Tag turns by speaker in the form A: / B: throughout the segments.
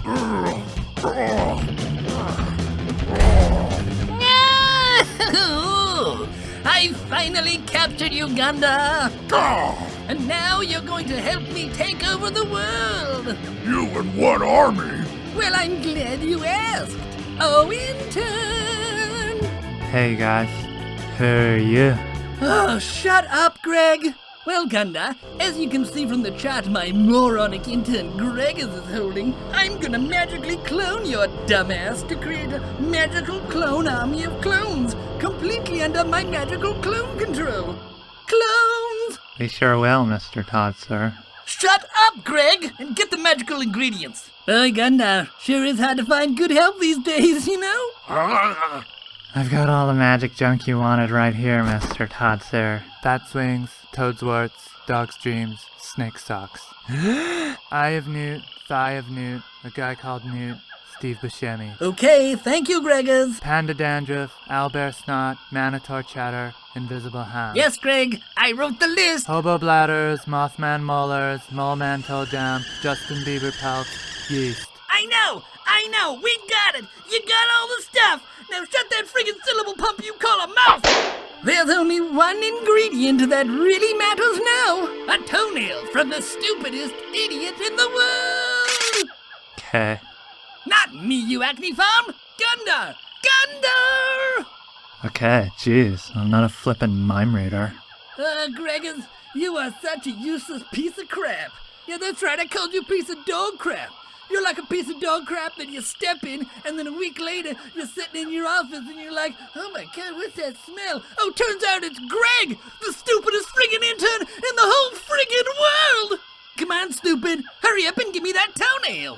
A: I finally captured Uganda! And now you're going to help me take over the world!
B: You and what army?
A: Well, I'm glad you asked! Oh, intern!
C: Hey guys, who are you?
A: Oh, shut up, Greg! Well, Gunda, as you can see from the chart my moronic intern Gregus is holding, I'm gonna magically clone your dumbass to create a magical clone army of clones, completely under my magical clone control. Clones!
C: We sure will, Mr. Todd, sir.
A: Shut up, Greg, and get the magical ingredients. Boy, Gunda, sure is hard to find good help these days, you know?
C: I've got all the magic junk you wanted right here, Mr. Todd, sir. Bat's wings, toad's warts, dog's dreams, snake socks. Eye of Newt, thigh of Newt, a guy called Newt, Steve Buscemi.
A: Okay, thank you, Gregus.
C: Panda dandruff, owlbear snot, minotaur chatter, invisible hand.
A: Yes, Greg, I wrote the list.
C: Hobo bladders, mothman molars, moleman toe jam, Justin Bieber pelts, yeast.
A: I know, we got it. You got all the stuff. Now shut that friggin' syllable pump you call a mouth. There's only one ingredient that really matters now. A toenail from the stupidest idiot in the world.
C: Okay.
A: Not me, you acne farm. Gunda! Gunda!
C: Okay, jeez, I'm not a flippin' mime reader.
A: Gregus, you are such a useless piece of crap. Yeah, that's right, I called you a piece of dog crap. You're like a piece of dog crap that you step in, and then a week later, you're sitting in your office and you're like, oh my god, what's that smell? Oh, turns out it's Greg, the stupidest friggin' intern in the whole friggin' world! Come on, stupid, hurry up and give me that toenail!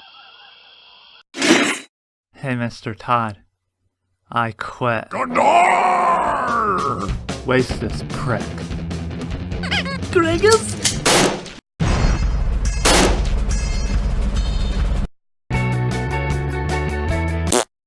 C: Hey, Mr. Todd. I quit.
B: Gandar!
C: Waste this prick.
A: Gregus?